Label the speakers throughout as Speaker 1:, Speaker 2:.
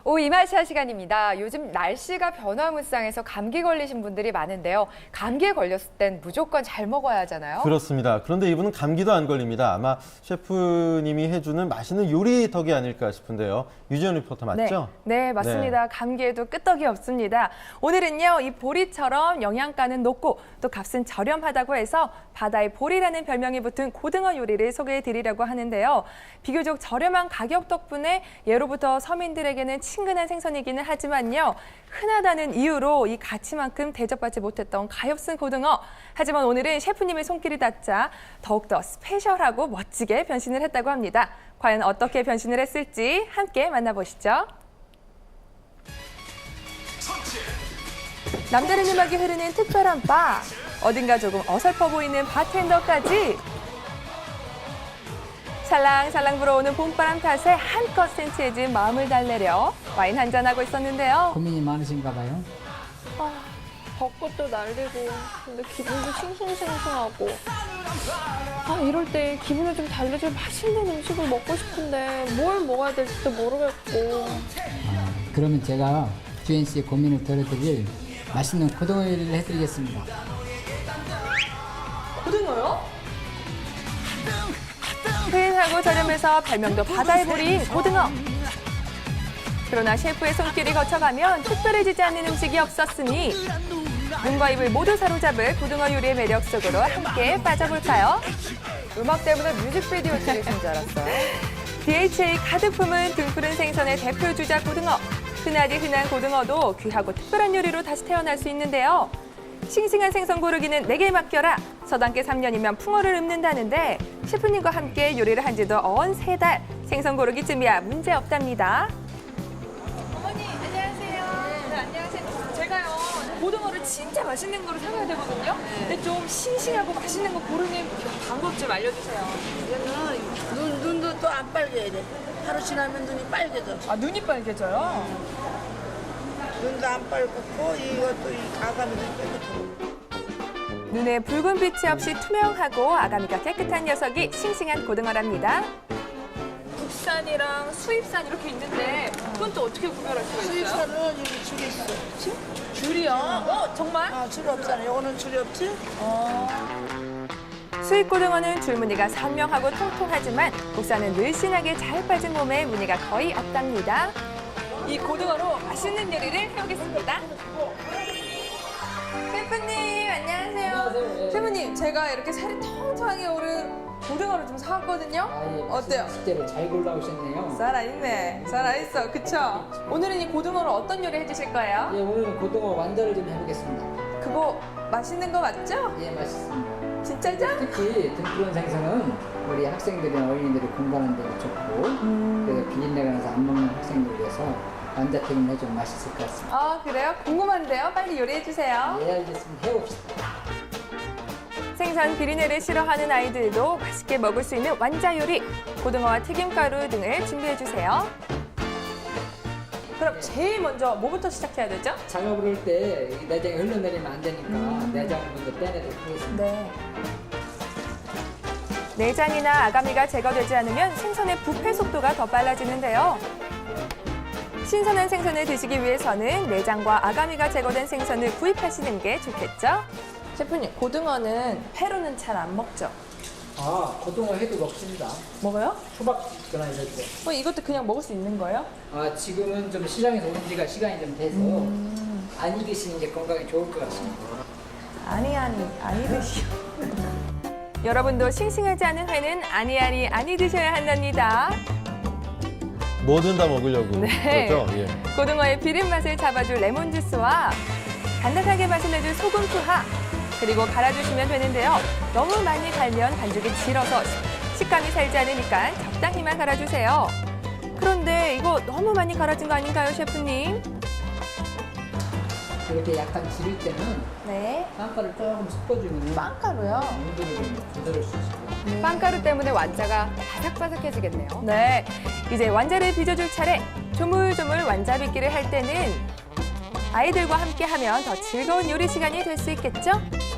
Speaker 1: 이마시아 시간입니다. 요즘 날씨가 변화무쌍해서 감기 걸리신 분들이 많은데요. 감기에 걸렸을 땐 무조건 잘 먹어야 하잖아요.
Speaker 2: 그렇습니다. 그런데 이분은 감기도 안 걸립니다. 아마 셰프님이 해주는 맛있는 요리 덕이 아닐까 싶은데요. 유지연 리포터 맞죠?
Speaker 3: 네, 맞습니다.
Speaker 2: 네.
Speaker 3: 감기에도 끄떡이 없습니다. 오늘은요, 이 보리처럼 영양가는 높고 또 값은 저렴하다고 해서 바다의 보리라는 별명이 붙은 고등어 요리를 소개해드리려고 하는데요. 비교적 저렴한 가격 덕분에 예로부터 서민들에게는 친근한 생선이기는 하지만요. 흔하다는 이유로 이 가치만큼 대접받지 못했던 가엾은 고등어. 하지만 오늘은 셰프님의 손길이 닿자 더욱더 스페셜하고 멋지게 변신을 했다고 합니다. 과연 어떻게 변신을 했을지 함께 만나보시죠. 남다른 음악이 흐르는 특별한 바. 어딘가 조금 어설퍼 보이는 바텐더까지. 살랑살랑 불어오는 봄바람 탓에 한껏 센치해진 마음을 달래려 와인 한잔하고 있었는데요.
Speaker 4: 고민이 많으신가 봐요.
Speaker 5: 벚꽃도 날리고 근데 기분도 싱숭생숭하고 이럴 때 기분을 좀 달래줄 맛있는 음식을 먹고 싶은데 뭘 먹어야 될지도 모르겠고.
Speaker 4: 그러면 제가 주현 씨의 고민을 덜어드릴 맛있는 고등어 요리를 해드리겠습니다.
Speaker 3: 고등어요? 흔하고 저렴해서 별명도 바다의 보리인 고등어. 그러나 셰프의 손길이 거쳐가면 특별해지지 않는 음식이 없었으니 눈과 입을 모두 사로잡을 고등어 요리의 매력 속으로 함께 빠져볼까요?
Speaker 1: 음악 때문에 뮤직비디오 찍으신 줄 알았어요.
Speaker 3: DHA 가득 품은 등푸른 생선의 대표 주자 고등어. 흔하디 흔한 고등어도 귀하고 특별한 요리로 다시 태어날 수 있는데요. 싱싱한 생선 고르기는 내게 맡겨라. 서당계 3년이면 풍어를 읊는다는데 셰프님과 함께 요리를 한 지도 어언 3달. 생선 고르기쯤이야 문제 없답니다.
Speaker 6: 어머니 안녕하세요. 네, 안녕하세요. 제가요 고등어를 진짜 맛있는 거를 사가야 되거든요. 근데 좀 싱싱하고 맛있는 거 고르는 방법 좀 알려주세요.
Speaker 7: 이거는 눈도 또 안 빨개야 돼. 하루 지나면 눈이 빨개져.
Speaker 6: 눈이 빨개져요?
Speaker 7: 눈도 안 빨갛고 이것도 이 가감이도 깨끗하고.
Speaker 3: 눈에 붉은 빛이 없이 투명하고 아가미가 깨끗한 녀석이 싱싱한 고등어랍니다.
Speaker 6: 국산이랑 수입산 이렇게 있는데 그건 또 어떻게 구별할 수가 있어요?
Speaker 7: 수입산은 여기 줄이 있어.
Speaker 6: 줄이요? 정말?
Speaker 7: 줄이 없잖아. 이거는 줄이 없지?
Speaker 3: 수입 고등어는 줄무늬가 선명하고 통통하지만 국산은 늘씬하게 잘 빠진 몸에 무늬가 거의 없답니다.
Speaker 6: 이 고등어로 맛있는 요리를 해보겠습니다.
Speaker 3: 셰프님 안녕하세요. 셰프님 제가 이렇게 살이 통통하게 오른 고등어를 좀 사왔거든요. 어때요?
Speaker 4: 식재료 잘 골라오셨네요.
Speaker 3: 살아있네. 살아있어. 그쵸? 오늘은 이 고등어로 어떤 요리 해주실 거예요?
Speaker 4: 예, 오늘은 고등어 완자를 좀 해보겠습니다.
Speaker 3: 그거 맛있는 거 맞죠?
Speaker 4: 예, 맛있습니다.
Speaker 3: 진짜죠?
Speaker 4: 특히 등푸른 생선은 우리 학생들이나 어린이들이 공부하는 데 좋고 그래서 비린내가 나서 안 먹는 학생들을 위해서 완자튀김을 해주면 맛있을 것 같습니다.
Speaker 3: 아 그래요? 궁금한데요? 빨리 요리해주세요.
Speaker 4: 예, 알겠습니다. 해봅시다.
Speaker 3: 생선 비린내를 싫어하는 아이들도 맛있게 먹을 수 있는 완자 요리. 고등어와 튀김가루 등을 준비해주세요. 그럼 제일 먼저 뭐부터 시작해야 되죠?
Speaker 4: 작업을 할 때 내장이 흘러내리면 안 되니까 내장을 먼저 빼내도록 하겠습니다.
Speaker 3: 네. 내장이나 아가미가 제거되지 않으면 생선의 부패 속도가 더 빨라지는데요. 신선한 생선을 드시기 위해서는 내장과 아가미가 제거된 생선을 구입하시는 게 좋겠죠? 셰프님, 고등어는 회로는 잘 안 먹죠?
Speaker 4: 고등어 해도 먹습니다.
Speaker 3: 먹어요?
Speaker 4: 초밥거나 이럴 때.
Speaker 3: 이것도 그냥 먹을 수 있는 거예요?
Speaker 4: 지금은 좀 시장에서 온 지가 시간이 좀 돼서 안 익으시는 게 건강에 좋을 것 같습니다.
Speaker 3: 아니 드시오. 여러분도 싱싱하지 않은 회는 아니 드셔야 한답니다.
Speaker 2: 뭐든 다 먹으려고.
Speaker 3: 네.
Speaker 2: 그렇죠? 예.
Speaker 3: 고등어의 비린 맛을 잡아줄 레몬 주스와 단단하게 맛을 내줄 소금 투하 그리고 갈아주시면 되는데요. 너무 많이 갈면 반죽이 질어서 식감이 살지 않으니까 적당히만 갈아주세요. 그런데 이거 너무 많이 갈아진 거 아닌가요, 셰프님?
Speaker 4: 이렇게 약간 지릴 때는
Speaker 3: 네.
Speaker 4: 빵가루 조금 섞어주면
Speaker 3: 빵가루요?
Speaker 4: 온도를 좀 조절할 수 있어요.
Speaker 1: 빵가루 때문에 완자가 바삭바삭해지겠네요.
Speaker 3: 네. 이제 완자를 빚어줄 차례. 조물조물 완자 빚기를 할 때는 아이들과 함께 하면 더 즐거운 요리 시간이 될 수 있겠죠?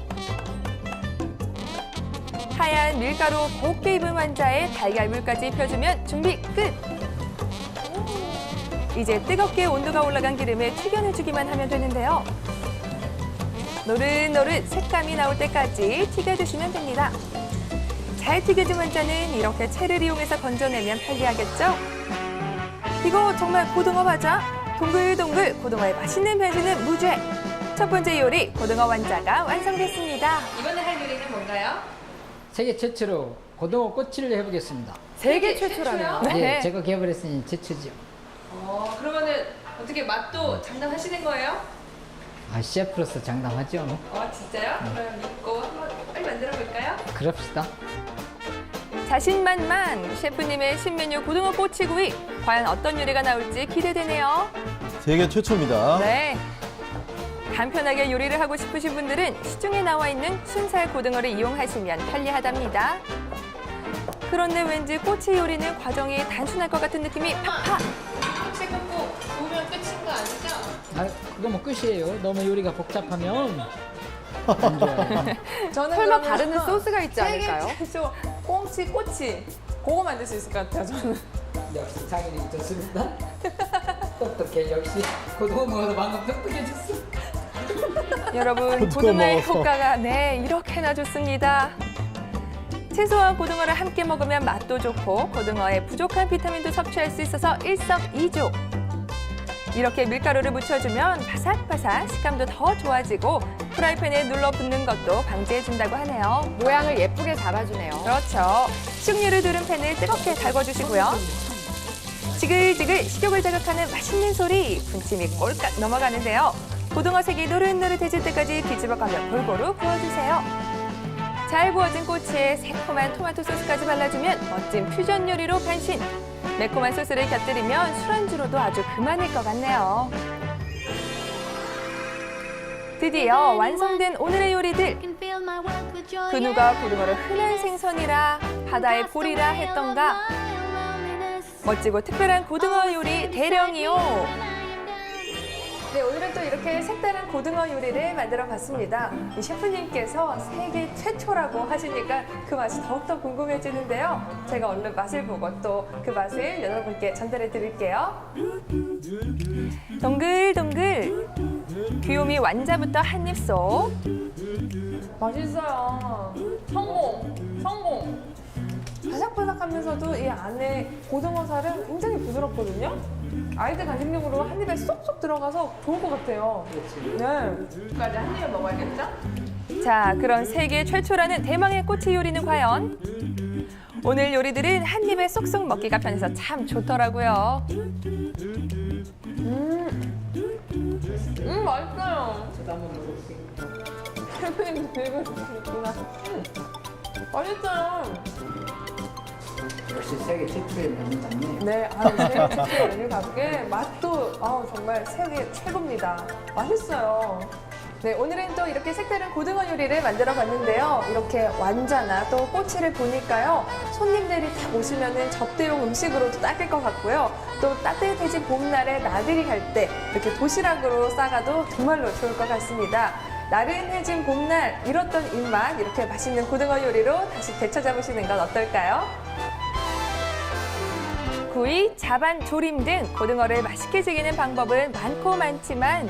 Speaker 3: 하얀 밀가루 곱게 입은 완자에 달걀물까지 입혀주면 준비 끝! 이제 뜨겁게 온도가 올라간 기름에 튀겨내주기만 하면 되는데요. 노릇노릇 색감이 나올 때까지 튀겨주시면 됩니다. 잘 튀겨진 완자는 이렇게 채를 이용해서 건져내면 편리하겠죠? 이거 정말 고등어 과자? 동글동글 고등어의 맛있는 변신은 무죄! 첫 번째 요리 고등어 완자가 완성됐습니다.
Speaker 1: 이번에 할 요리는 뭔가요?
Speaker 4: 세계 최초로 고등어 꼬치를 해보겠습니다.
Speaker 1: 세계 최초라면.
Speaker 3: 네.
Speaker 4: 제가 개발했으니 최초죠.
Speaker 1: 그러면은 어떻게 맛도 장담하시는 거예요?
Speaker 4: 셰프로서 장담하죠.
Speaker 1: 진짜요? 그럼 믿고 한번 빨리 만들어 볼까요?
Speaker 4: 그럽시다.
Speaker 3: 자신만만 셰프님의 신메뉴 고등어 꼬치구이. 과연 어떤 요리가 나올지 기대되네요.
Speaker 2: 세계 최초입니다.
Speaker 3: 네. 간편하게 요리를 하고 싶으신 분들은 시중에 나와 있는 순살 고등어를 이용하시면 편리하답니다. 그런데 왠지 꼬치 요리는 과정이 단순할 것 같은 느낌이 팍팍!
Speaker 1: 혹시 꽂고 구우면 끝인 거 아니죠?
Speaker 4: 그거 뭐 끝이에요. 너무 요리가 복잡하면 안 좋아요.
Speaker 3: 저는
Speaker 1: 설마
Speaker 3: 그러면
Speaker 1: 바르는 소스가 있지 않을까요?
Speaker 3: 세계 최초 꽁치 꼬치 그거 만들 수 있을 것 같아요, 저는.
Speaker 4: 역시 장인이 좋습니다. 똑똑해. 역시 고등어 먹어서 방금 똑똑해졌어.
Speaker 3: 여러분,
Speaker 2: 고등어
Speaker 3: 고등어의
Speaker 2: 먹어서.
Speaker 3: 효과가 이렇게나 좋습니다. 채소와 고등어를 함께 먹으면 맛도 좋고 고등어의 부족한 비타민도 섭취할 수 있어서 일석이조. 이렇게 밀가루를 묻혀주면 바삭바삭 식감도 더 좋아지고 프라이팬에 눌러 붙는 것도 방지해준다고 하네요.
Speaker 1: 모양을 예쁘게 잡아주네요.
Speaker 3: 그렇죠. 식용유를 두른 팬을 뜨겁게 달궈주시고요. 지글지글 식욕을 자극하는 맛있는 소리, 군침이 꼴깍 넘어가는데요. 고등어 색이 노릇노릇해질 때까지 뒤집어가며 골고루 구워주세요. 잘 구워진 꼬치에 새콤한 토마토 소스까지 발라주면 멋진 퓨전 요리로 변신. 매콤한 소스를 곁들이면 술안주로도 아주 그만일 것 같네요. 드디어 완성된 오늘의 요리들. 그 누가 고등어를 흔한 생선이라 바다의 볼이라 했던가. 멋지고 특별한 고등어 요리 대령이요. 네, 오늘은 또 이렇게 색다른 고등어 요리를 만들어 봤습니다. 이 셰프님께서 세계 최초라고 하시니까 그 맛이 더욱더 궁금해지는데요. 제가 얼른 맛을 보고 또 그 맛을 여러분께 전달해 드릴게요. 동글동글 귀요미 완자부터 한 입 쏙. 맛있어요. 성공. 바삭바삭하면서도 이 안에 고등어 살은 굉장히 부드럽거든요. 아이들 간식용으로 한 입에 쏙쏙 들어가서 좋을 것 같아요. 네.
Speaker 1: 까지 한 입에 먹어야겠죠?
Speaker 3: 자, 그럼 세계 최초라는 대망의 꼬치 요리는 과연? 오늘 요리들은 한 입에 쏙쏙 먹기가 편해서 참 좋더라고요. 맛있어요.
Speaker 4: 저도 한번 먹어볼게요.
Speaker 3: 셰프님 들고 있구나. 맛있어요.
Speaker 4: 역시 세계 최초의 메뉴답네.
Speaker 3: 네, 세계 최초 메뉴답게 맛도 정말 세계 최고입니다. 맛있어요. 네, 오늘은 또 이렇게 색다른 고등어 요리를 만들어 봤는데요. 이렇게 완자나 또 꼬치를 보니까요. 손님들이 다 오시면은 접대용 음식으로도 딱일 것 같고요. 또 따뜻해진 봄날에 나들이 갈 때 이렇게 도시락으로 싸가도 정말로 좋을 것 같습니다. 나른해진 봄날 잃었던 입맛 이렇게 맛있는 고등어 요리로 다시 되찾아보시는 건 어떨까요? 구이, 자반, 조림 등 고등어를 맛있게 즐기는 방법은 많고 많지만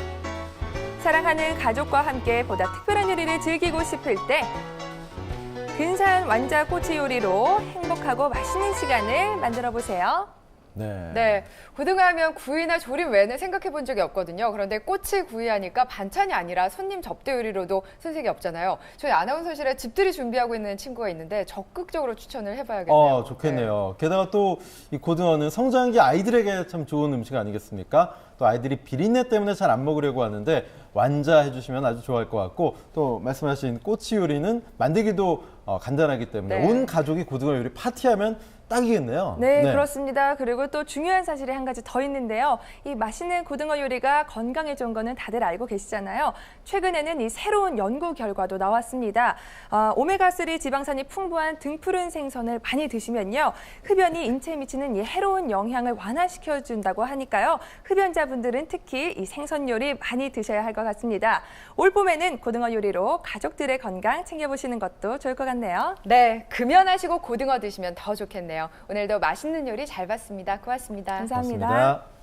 Speaker 3: 사랑하는 가족과 함께 보다 특별한 요리를 즐기고 싶을 때 근사한 완자 꼬치 요리로 행복하고 맛있는 시간을 만들어 보세요.
Speaker 1: 네, 고등어 하면 구이나 조림 외에는 생각해 본 적이 없거든요. 그런데 꼬치 구이하니까 반찬이 아니라 손님 접대 요리로도 손색이 없잖아요. 저희 아나운서실에 집들이 준비하고 있는 친구가 있는데 적극적으로 추천을 해봐야겠네요.
Speaker 2: 좋겠네요. 게다가 또 이 고등어는 성장기 아이들에게 참 좋은 음식 아니겠습니까? 또 아이들이 비린내 때문에 잘 안 먹으려고 하는데 완자 해주시면 아주 좋아할 것 같고 또 말씀하신 꼬치 요리는 만들기도 간단하기 때문에
Speaker 1: 네.
Speaker 2: 온 가족이 고등어 요리 파티하면 딱이겠네요.
Speaker 3: 네, 그렇습니다. 그리고 또 중요한 사실이 한 가지 더 있는데요. 이 맛있는 고등어 요리가 건강에 좋은 거는 다들 알고 계시잖아요. 최근에는 이 새로운 연구 결과도 나왔습니다. 오메가3 지방산이 풍부한 등푸른 생선을 많이 드시면요. 흡연이 인체에 미치는 이 해로운 영향을 완화시켜준다고 하니까요. 흡연자분들은 특히 이 생선 요리 많이 드셔야 할 것 같습니다. 올 봄에는 고등어 요리로 가족들의 건강 챙겨보시는 것도 좋을 것 같네요.
Speaker 1: 네, 금연하시고 고등어 드시면 더 좋겠네요. 오늘도 맛있는 요리 잘 봤습니다. 고맙습니다.
Speaker 3: 감사합니다.
Speaker 2: 고맙습니다.